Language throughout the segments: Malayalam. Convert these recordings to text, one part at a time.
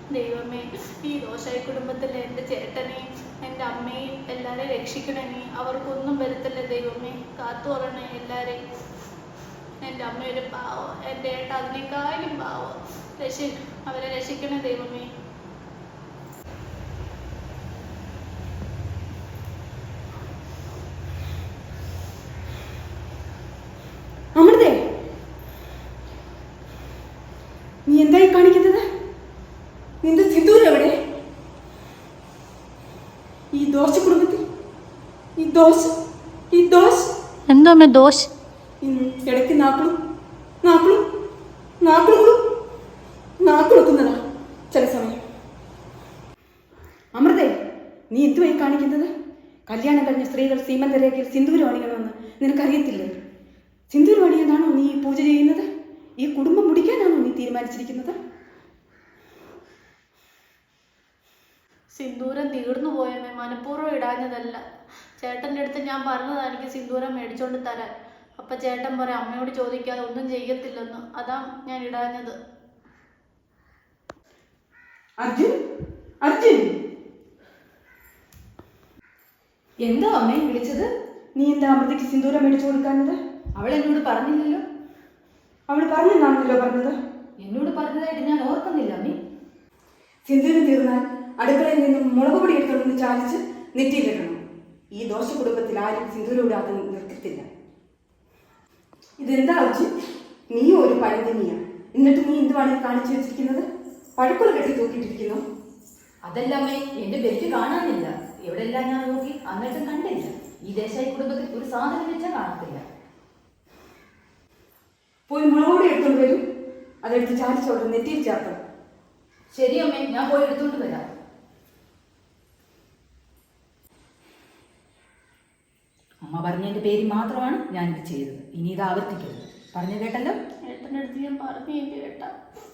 ദൈവമേ, ഈ ദോഷായി കുടുംബത്തിലെ എൻ്റെ ചേട്ടനെയും എൻ്റെ അമ്മയും എല്ലാവരെയും രക്ഷിക്കണേ. നീ അവർക്കൊന്നും വരത്തില്ല ദൈവമേ, കാത്തു പറയണേ എല്ലാവരെയും. എൻ്റെ അമ്മ ഒരു പാവം, എൻ്റെ ഏട്ട അതിനേക്കാളും പാവം. അവരെ രക്ഷിക്കണേ ദൈവമേ. അമൃതേ, നീ എന്തായി കാണിക്കുന്നത്? നിന്റെ സിന്ദൂരം എവിടെ? ഈ ദോശ കുടുംബത്തിൽ എന്താ ദോശ? ഇടയ്ക്ക് നാക്കുളുക്കുന്നതാ ചില സമയം. അമൃതേ, നീ എന്തുവായി കാണിക്കുന്നത്? കല്യാണം കഴിഞ്ഞ സ്ത്രീകൾ സീമന്തരേഖയിൽ സിന്ദൂരം അണിയണമെന്ന് നിനക്കറിയത്തില്ലേ? സിന്ദൂരം അണിയെന്നാണോ നീ പൂജ ചെയ്യുന്നത്? ഈ കുടുംബം മുടിക്കാനാണോ നീ തീരുമാനിച്ചിരിക്കുന്നത്? സിന്ദൂരം തീർന്നു പോയമ്മേ, മനഃപൂർവ്വം ഇടാഞ്ഞതല്ല. ചേട്ടൻ്റെ അടുത്ത് ഞാൻ പറഞ്ഞതാണ് എനിക്ക് സിന്ദൂരം മേടിച്ചോണ്ട് തരാൻ. അപ്പം ചേട്ടൻ പറയാം അമ്മയോട് ചോദിക്കാതെ ഒന്നും ചെയ്യത്തില്ലെന്ന്. അതാ ഞാൻ ഇടാഞ്ഞത്. അർജുൻ, എന്താ അമ്മേ വിളിച്ചത്? നീ എന്താ അമൃതയ്ക്ക് സിന്ദൂരം മേടിച്ചു കൊടുക്കാഞ്ഞത്? അവൾ എന്നോട് പറഞ്ഞില്ലല്ലോ. അവൾ പറഞ്ഞെന്നാണല്ലോ പറഞ്ഞത്. എന്നോട് പറഞ്ഞതായിട്ട് ഞാൻ ഓർക്കുന്നില്ല അമ്മേ. സിന്ദൂരം തീർന്നാൽ അടുക്കളയിൽ നിന്നും മുളക് പൊടി എടുത്തുകൊണ്ട് ചാലിച്ച് നെറ്റിയിലിടണം. ഈ ദോശ കുടുംബത്തിൽ ആരും സിന്ദൂരം ഇടാതെ നിർത്തില്ല. ഇതെന്താ അർജുൻ, നീയും ഒരു പഴന്തനിയാണ്. എന്നിട്ട് നീ എന്തുവാണ് കാണിച്ചു വെച്ചിരിക്കുന്നത്? പഴക്കുള്ള കെട്ടി തൂക്കിയിട്ടിരിക്കുന്നു. അതല്ല അമ്മേ, എന്റെ ബെൽറ്റ് കാണാനില്ല. എവിടെല്ലാം ഞാൻ നോക്കി, എന്നിട്ടും കണ്ടില്ല. ഈ ദേശായി കുടുംബത്തിൽ ഒരു സാധനം വെച്ചാൽ കാണത്തില്ല. പോയി മുളക് പൊടി എടുത്തോണ്ട് വരും. അതെടുത്ത് ചാലിച്ചോട്ട് നെറ്റിയിൽ ചേർക്കണം. ശരി അമ്മേ, ഞാൻ പോയി എടുത്തോണ്ട് വരാം. അമ്മ പറഞ്ഞതിന്റെ പേര് മാത്രമാണ് ഞാനിത് ചെയ്തത്. ഇനി ഇത് ആവർത്തിക്കരുത്. പറഞ്ഞു കേട്ടല്ലോ? ഏട്ടൻ്റെ അടുത്ത് ഞാൻ പറഞ്ഞു കേട്ടാ.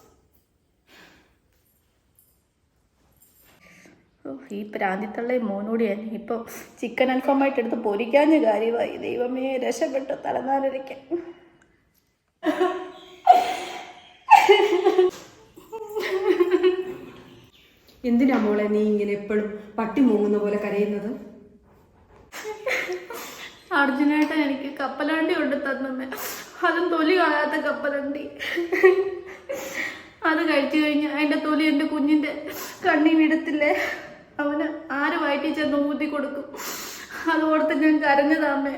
ഈ പ്രാന്തിത്തള്ള മോനോട് ഞാൻ ഇപ്പോൾ ചിക്കൻ അൽഫാമായിട്ട് എടുത്ത് പൊരിക്കാഞ്ഞ കാര്യമായി. ദൈവമേ, രക്ഷപ്പെട്ടു തലനാലൊരിക്കാൻ. എന്തിനാ മോളെ നീ ഇങ്ങനെ എപ്പോഴും പട്ടി മൂങ്ങുന്ന പോലെ കരയുന്നത്? അർജുനായിട്ട് എനിക്ക് കപ്പലണ്ടി കൊണ്ട് തന്നമ്മേ. അതും തൊലി കളയാത്ത കപ്പലണ്ടി. അത് കഴിച്ചു കഴിഞ്ഞാൽ അതിൻ്റെ തൊലി എൻ്റെ കുഞ്ഞിൻ്റെ കണ്ണി വിടത്തില്ലേ? അവന് ആര് വയറ്റി ചെന്ന് ഊതി കൊടുക്കും. അതോടത്ത് ഞാൻ കരഞ്ഞതാമ്മേ.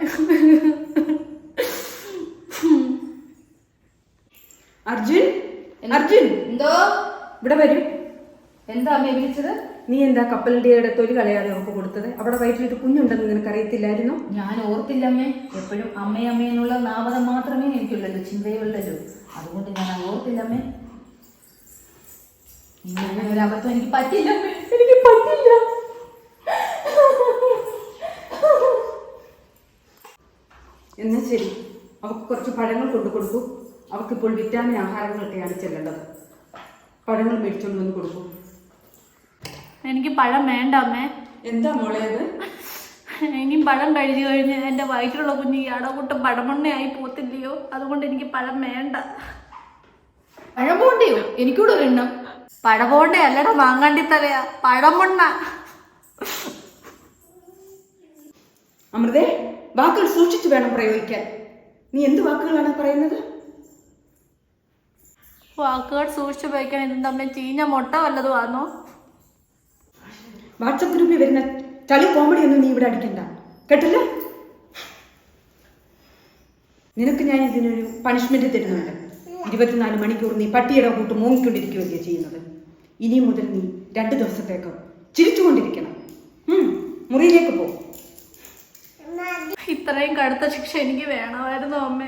അർജുൻ, എന്തോ? ഇവിടെ വരും. എന്താ അമ്മയെ വിളിച്ചത്? നീ എന്താ കപ്പലണ്ടിയുടെ തൊലി കളയാതെ നമുക്ക് കൊടുത്തത്? അവിടെ വയറ്റിലിട്ട് കുഞ്ഞുണ്ടെന്ന് നിനക്ക് അറിയത്തില്ലായിരുന്നോ? ഞാൻ ഓർത്തില്ല അമ്മേ. എപ്പോഴും അമ്മയെന്നുള്ള നാമതം മാത്രമേ എനിക്കുള്ളല്ലോ, ചിന്തയുള്ളല്ലോ. അതുകൊണ്ട് ഞാൻ ഓർത്തില്ല അമ്മേ. ഇങ്ങനെ ഒരു അബദ്ധം എനിക്ക് പറ്റില്ല അമ്മേ. എനിക്ക് പറ്റില്ല. എന്നാ ശരി, അവൾക്ക് കുറച്ച് പഴങ്ങൾ കൊണ്ടു കൊടുക്കൂ. അവൾക്കിപ്പോൾ വിറ്റാമിൻ ആഹാരങ്ങളൊക്കെയാണ് ചെല്ലേണ്ടത്. പഴങ്ങൾ മേടിച്ചോണ്ട് വന്ന് കൊടുക്കൂ. എനിക്ക് പഴം വേണ്ട അമ്മേ. എന്താ മോളെ അത്? ഇനിയും പഴം കഴിച്ചു കഴിഞ്ഞ് എൻ്റെ വയറ്റിലുള്ള കുഞ്ഞ് ഈ അടകൂട്ടം പഴമണ്ണയായി പോത്തില്ലയോ? അതുകൊണ്ട് എനിക്ക് പഴം വേണ്ട. പഴം പോണ്ടയോ? എനിക്കൂടെ ഒരെണ്ണം. പഴപോണ്ടേ അല്ലടാ, മാങ്ങാണ്ടി തലയാ, പഴമണ്ണ. അമൃതേ, വാക്കുകൾ സൂക്ഷിച്ചു വേണം പ്രയോഗിക്കാൻ. നീ എന്ത് വാക്കുകളാണ് പറയുന്നത്? വാക്കുകൾ സൂക്ഷിച്ചു ഉപയോഗിക്കാൻ ഇതും തമ്മിൽ ചീഞ്ഞ മുട്ട വല്ലതും ആണോ? വാട്സപ്പ് ഗ്രൂപ്പിൽ വരുന്ന ചളി കോമഡി ഒന്നും നീ ഇവിടെ അടിക്കണ്ട, കേട്ടില്ല? നിനക്ക് ഞാൻ ഇതിനൊരു പണിഷ്മെന്റ് തരുന്നുണ്ട്. 24 മണിക്കൂർ നീ പട്ടിയുടെ കൂട്ട് മൂങ്ങിക്കൊണ്ടിരിക്കുകയല്ലേ ചെയ്യുന്നത്. ഇനി മുതൽ നീ 2 ദിവസത്തേക്ക് ചിരിച്ചുകൊണ്ടിരിക്കണം. മുറിയിലേക്ക് പോ. ഇത്രയും കടുത്ത ശിക്ഷ എനിക്ക് വേണമായിരുന്നു അമ്മേ.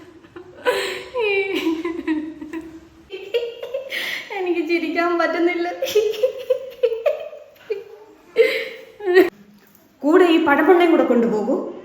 എനിക്ക് ചിരിക്കാൻ പറ്റുന്നില്ല. കൂടെ ഈ പഴമണ്ണയും കൂടെ കൊണ്ടുപോകൂ.